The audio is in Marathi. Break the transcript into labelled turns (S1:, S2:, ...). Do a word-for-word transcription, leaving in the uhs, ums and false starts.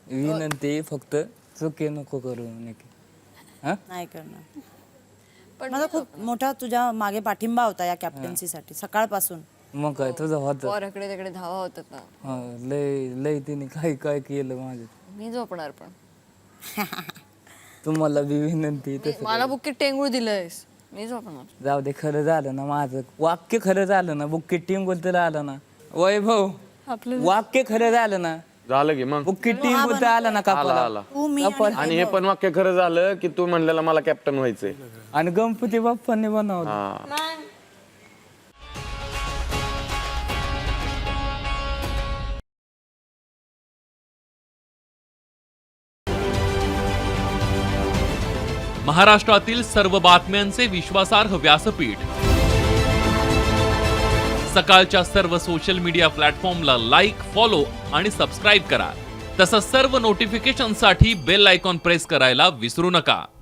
S1: विनंती फक्त चुके नको करू नक्की. हा
S2: नाही करणार. पण माझा खूप मोठा तुझ्या मागे पाठिंबा होता या कॅप्टन्सीसाठी सकाळपासून.
S1: मग काय तुझं होतं.
S3: पोराकडे तिकडे धावा होतात ना.
S1: हा, लय लय तिने काय काय केलं माझं.
S3: मी झोपणार पण.
S1: तुम्हाला बी विनंती तसं
S3: मला बुक्कीत टेंगूळ दिलंयस, मी झोपणार.
S1: जाऊ दे, खरं झालं ना माझं वाक्य, खरं झालं ना. बुक्की टीम बोलता आलं ना वैभव, वाक्य खरं झालं ना.
S4: झालं की मग
S1: बुक्की टीम बोलता आलं ना
S4: आला
S1: कापाला.
S4: आला
S2: तू मी
S4: आणि हे पण वाक्य खरं झालं की तू म्हणलेला मला कॅप्टन व्हायचंय.
S1: आणि गणपती बाप्पांनी बनवलं.
S4: हा
S5: महाराष्ट्रातील सर्व बातम्यांचे विश्वासार्ह व्यासपीठ. सकाळच्या सर्व सोशल मीडिया प्लॅटफॉर्मला लाईक, फॉलो आणि सबस्क्राईब करा. तसंच सर्व नोटिफिकेशनसाठी बेल आयकॉन प्रेस करायला विसरू नका.